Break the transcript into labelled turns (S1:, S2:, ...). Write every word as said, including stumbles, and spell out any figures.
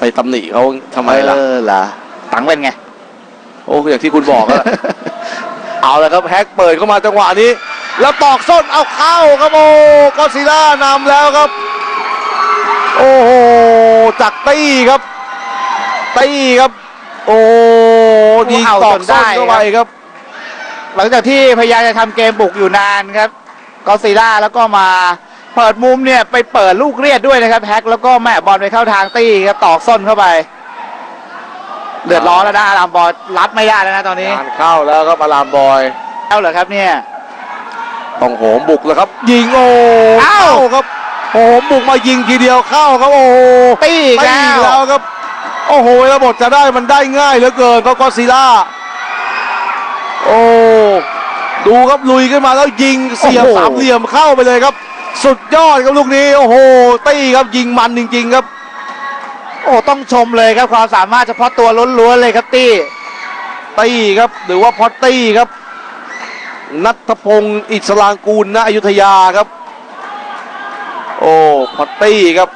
S1: ตำหนิเขาทำไมล่ะ
S2: เออล่ะตังเป็นไง
S1: โอ้อย่างที่คุณบอกอะ เอาเลยครับแฮกเปิดเข้ามาจังหวะนี้แล้วตอกส้นเอาเข้าครับโอ้ก็ซิล่านำแล้วครับโอ้โหจากตี้ครับตี้ครับโอ้ดีตอกส้นเข้าไปครับ
S2: หลังจากที่พยายามจะทำเกมบุกอยู่นานครับก็ซิล่าแล้วก็มาเปิดมุมเนี่ยไปเปิดลูกเรียดด้วยนะครับแฮกแล้วก็แม่บอลไปเข้าทางตี้ครับตอกส้นเข้าไปเดือดร้อนแล้วนะอารามบอยรับไม่ได้แล้วนะตอนนี้
S1: งานเข้าแล้วครับอารามบอย
S2: เข้าเหรอครับเนี่ย
S1: ต้องโหมบุกแล้วครับยิงโอ้เข้าครับโหมบุกมายิงทีเดียวเข้าครับโอ้
S2: ตี้
S1: แล้วครับโอ้โหระบบจะได้มันได้ง่ายเหลือเกินก็ก็ซิล่าโอ้ดูครับลุยขึ้นมาแล้วยิงเสียบสามเหลี่ยมเข้าไปเลยครับสุดยอดครับลูกนี้โอ้โหตี้ครับยิงมันจริงๆครับ
S2: โอ้ต้องชมเลยครับความสามารถเฉพาะตัวล้วนๆเลยครับตี้
S1: ตี้ครับหรือว่าพอตตี้ครับณัฐพงศ์อิสรางกูลณอยุธยาครับโอ้พอตตี้ครับ